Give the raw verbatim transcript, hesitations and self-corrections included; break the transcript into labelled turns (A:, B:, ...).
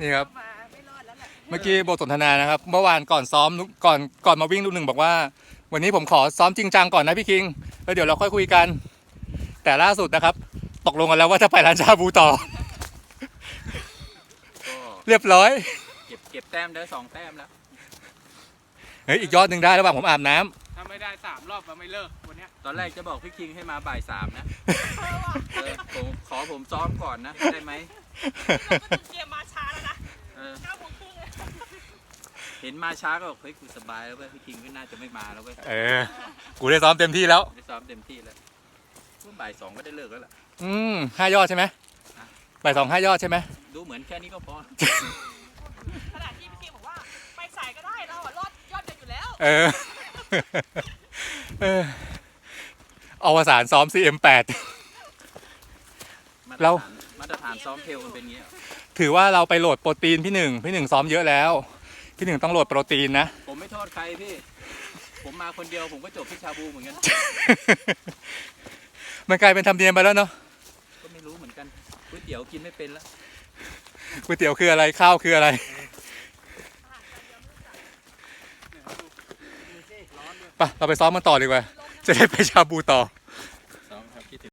A: นี่ครับ
B: มาไม่รอดแล้วแหละ
A: เมื่อกี้บทสนทนานะครับเมื่อวานก่อนซ้อมก่อนก่อนมาวิ่งลูกหนึ่งบอกว่า วันนี้ผมขอซ้อมจริงจังก่อนนะพี่คิงแล้วเดี๋ยวเราค่อยคุยกัน แต่ล่าสุดนะครับ ตกลงกันแล้วว่าจะไปร้านชาบูต่อ เรียบร้อย
C: เก็บเก็บแต้มได้สองแต้มแล้ว
A: เฮ้ยอีกยอดหนึ่งได้ระหว่างผมอาบน้ำ
D: ถ้าไม่ได้สามรอบเราไม่เลิกวันนี้
C: ตอนแรกจะบอกพี่คิงให้มาบ่ายสามนะเออผมขอผมซ้อมก่อนนะได้ไหม
B: เราก็ถึงเกมมาช้าแล้วนะเก้าโมงครึ่งเลย
C: เห็นมาช้าก็บอกเฮ้ยกูสบายแล้วเว้ยพี่คิงก็น่าจะไม่มาแล้วเว้ย
A: เออกูได้ซ้อมเต็มที่แล้ว
C: ได้ซ้อมเต็มที่แล้วบ่ายสองก็ได้เลิกแล้วล่ะ
A: อืมห้ายอดใช่ไหมบ่ายสองห้ายอดใช่ไหม
C: ดูเหมือนแค่นี้ก็พอ
B: ขณะที่พี่คิงบอกว่าไปสายก็ได้เราอะรอดยอดเดียวอยู่แล้ว
A: เออเอออวสานซ้อม ซี เอ็ม แปด เรา
C: มาตรฐานซ้อมเทลมันเป็นงี้
A: ถือว่าเราไปโหลดโปรตีนพี่หนึ่งพี่หนึ่งซ้อมเยอะแล้วพี่หนึ่งต้องโหลดโปรตีนนะ
C: ผมไม่โทษใครพี่ผมมาคนเดียวผมก็จบที่ชาบูเหมือนกัน
A: มันกลายเป็นธรรมเนียมไปแล้วเนาะ
C: ก็ไม่รู้เหมือนกันก๋วยเตี๋ยวกินไม่เป็นแล้ว
A: ก๋วยเตี๋ยวคืออะไรข้าวคืออะไรไปเราไปซ้อมมันต่อดีกว่าจะได้ไปชาบูต่อ